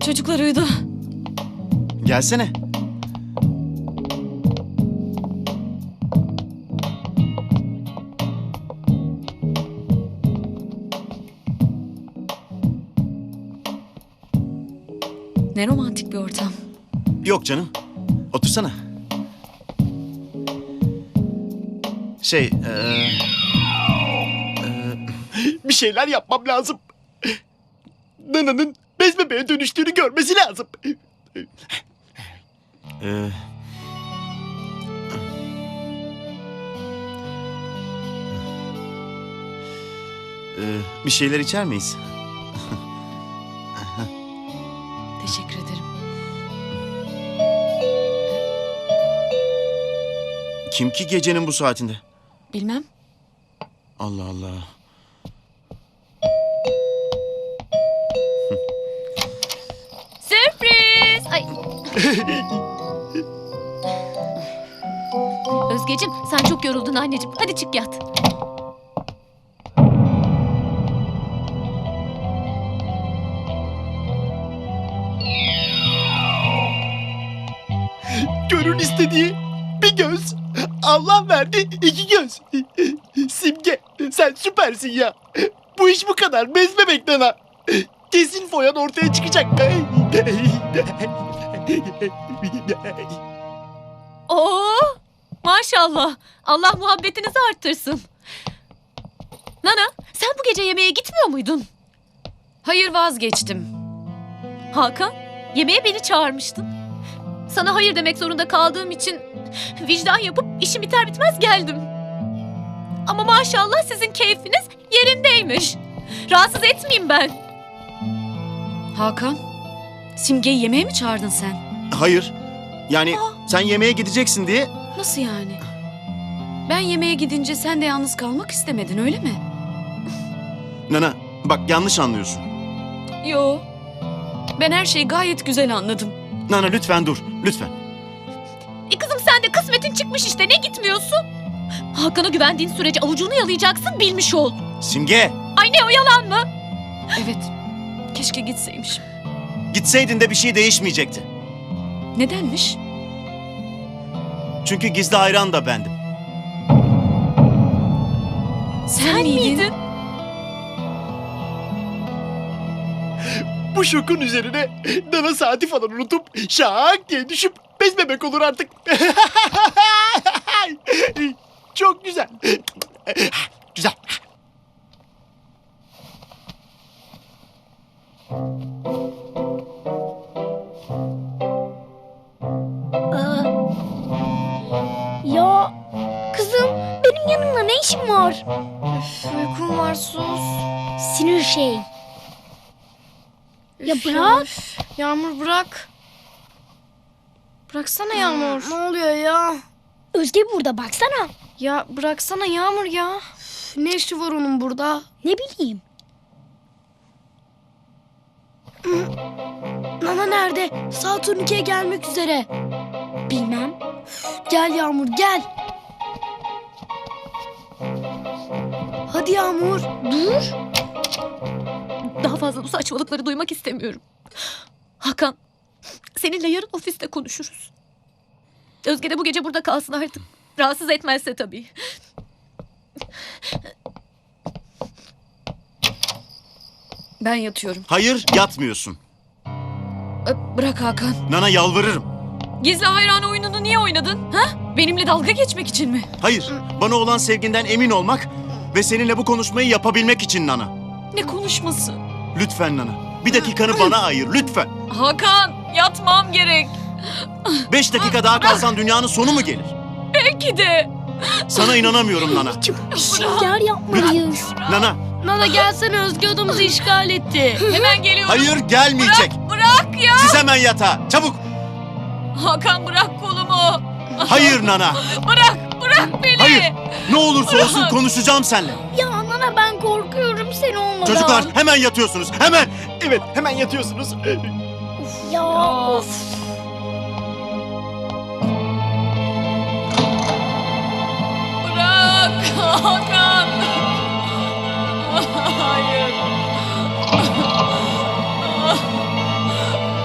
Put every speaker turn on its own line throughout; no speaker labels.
Çocuklar uyudu.
Gelsene.
Ne romantik bir ortam.
Yok canım. Otursana. Bir şeyler yapmam lazım. Nana'nın bez bebeğe dönüştüğünü görmesi lazım. Bir şeyler içer miyiz?
Teşekkür ederim.
Kim ki gecenin bu saatinde?
Bilmem.
Allah Allah.
Sürpriz! Ay. Özgeciğim sen çok yoruldun anneciğim. Hadi çık yat.
Gönül istediği bir göz. Allah verdi iki göz. Simge sen süpersin ya. Bu iş bu kadar. Bez bebek Nana. Kesin foyan ortaya çıkacak.
Oo! Maşallah. Allah muhabbetinizi arttırsın. Nana, sen bu gece yemeğe gitmiyor muydun?
Hayır, vazgeçtim.
Hakan, yemeğe beni çağırmıştın. Sana hayır demek zorunda kaldığım için vicdan yapıp işim biter bitmez geldim. Ama maşallah sizin keyfiniz yerindeymiş. Rahatsız etmeyeyim ben.
Hakan, Simge'yi yemeğe mi çağırdın sen?
Hayır. Yani sen yemeğe gideceksin diye.
Nasıl yani? Ben yemeğe gidince sen de yalnız kalmak istemedin, öyle mi?
Nana bak yanlış anlıyorsun.
Yo. Ben her şeyi gayet güzel anladım.
Nana lütfen dur. Lütfen.
Kızım sen de kısmetin çıkmış işte, ne gitmiyorsun? Hakan'a güvendiğin sürece avucunu yalayacaksın, bilmiş ol.
Simge.
Ay ne o, yalan mı?
Evet. Keşke gitseymişim.
Gitseydin de bir şey değişmeyecekti.
Nedenmiş?
Çünkü gizli hayran da bendim.
Sen miydin?
Bu şokun üzerine Nana saati falan unutup şak diye düşüp bez bebek olur artık. Çok güzel. Güzel.
Ya kızım, benim yanımda ne işin var?
Uykum var, sus.
Sinir şey. Ya
Üf
bırak.
üf. Yağmur bırak. Bıraksana Yağmur.
Ne oluyor ya? Özge burada, baksana.
Ya bıraksana Yağmur ya. Üf, ne işi var onun burada?
Ne bileyim. Nana nerede? Saat 12'ye gelmek üzere. Bilmem. Gel Yağmur, gel. Hadi Yağmur, dur.
Daha fazla bu saçmalıkları duymak istemiyorum. Hakan, seninle yarın ofiste konuşuruz. Özge de bu gece burada kalsın artık. Rahatsız etmezse tabii.
Ben yatıyorum.
Hayır yatmıyorsun.
Bırak Hakan.
Nana yalvarırım.
Gizli hayran oyununu niye oynadın? Ha? Benimle dalga geçmek için mi?
Hayır. Bana olan sevginden emin olmak ve seninle bu konuşmayı yapabilmek için Nana.
Ne konuşması?
Lütfen Nana. Bir dakikanı bana ayır lütfen.
Hakan, yatmam gerek.
5 dakika daha kalsan dünyanın sonu mu gelir?
Belki de.
Sana inanamıyorum Nana.
Bir şeyler yapmalıyız.
Nana.
Nana gelsene, Özge odamızı işgal etti.
Hemen geliyorum.
Hayır gelmeyecek.
Bırak ya.
Siz hemen yatağa. Çabuk.
Hakan bırak kolumu.
Hayır Nana.
Bırak beni.
Hayır. Ne olursa olsun konuşacağım seninle.
Ya Nana, ben korkuyorum sen olmadan.
Çocuklar hemen yatıyorsunuz. Hemen. Evet hemen yatıyorsunuz.
Ya of.
Bırak Hakan. Hayır.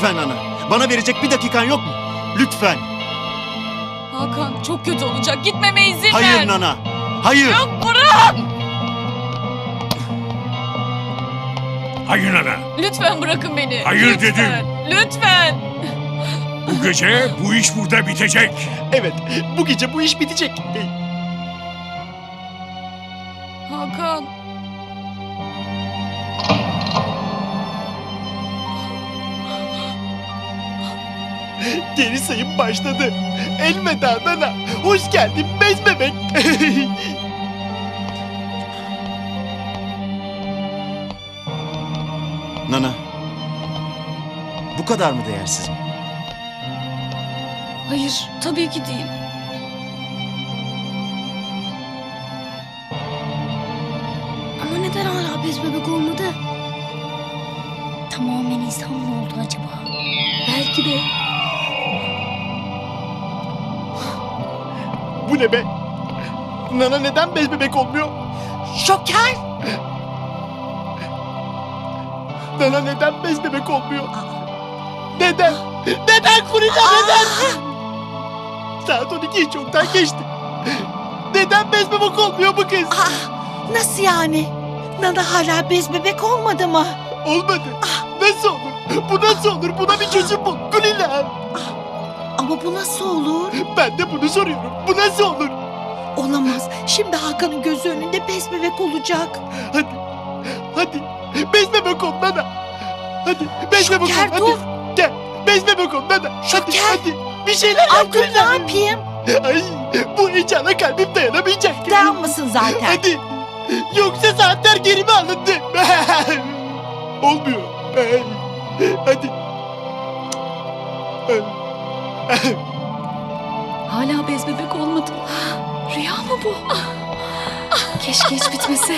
Lütfen Nana. Bana verecek bir dakikan yok mu? Lütfen.
Hakan çok kötü olacak. Gitmeme izin ver.
Hayır Nana. Hayır.
Yok bırak.
Hayır ana.
Lütfen bırakın beni.
Hayır
Lütfen.
dedim.
Lütfen.
Bu gece bu iş burada bitecek.
Evet, bu gece bu iş bitecek.
Hakan.
Geri sayım başladı. Elveda Nana. Hoş geldin bez bebek. Nana. Bu kadar mı değersiz?
Hayır tabii ki değil.
Ama neden hala bez bebek olmadı? Tamamen insan mı oldu acaba?
Belki de.
Bu ne be? Nana neden bez bebek olmuyor?
Şoker!
Nana neden bez bebek olmuyor? Neden? Neden Kulina neden? Saat 12'yi çoktan geçti. Neden bez bebek olmuyor bu kız?
Nasıl yani? Nana hala bez bebek olmadı mı?
Olmadı. Nasıl olur? Bu nasıl olur? Buna bir çözüm bul Kulina.
Ama bu nasıl olur?
Ben de bunu soruyorum. Bu nasıl olur?
Olamaz. Şimdi Hakan'ın gözü önünde bez bebek olacak.
Hadi. Hadi. Bez bebek ol Nana. Hadi. Bez bebek ol.
Şoker
Hadi.
dur.
Gel. Bez bebek ol Nana. Hadi.
Şoker.
Hadi. Bir şeyler
Ay
yap
dur ne
Kulina.
yapayım?
Ay. Bu heyecana kalbim dayanamayacak.
Dayanmasın zaten.
Hadi. Yoksa saatler geri mi alındı? Olmuyor. Hadi.
Hala bez bebek olmadım. Rüya mı bu? Keşke hiç bitmese.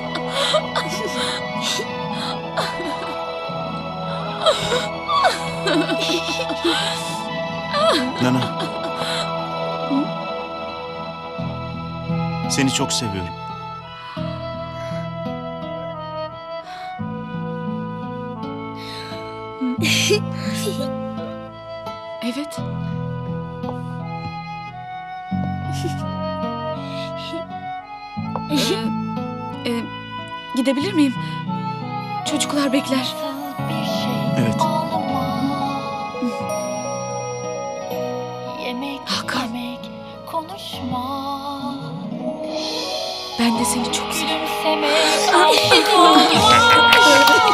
Nana. Seni çok seviyorum.
Evet. Gidebilir miyim? Çocuklar bekler.
Evet.
Hakan.
Konuşma.
Ben de seni çok seviyorum.
Gülümsemek.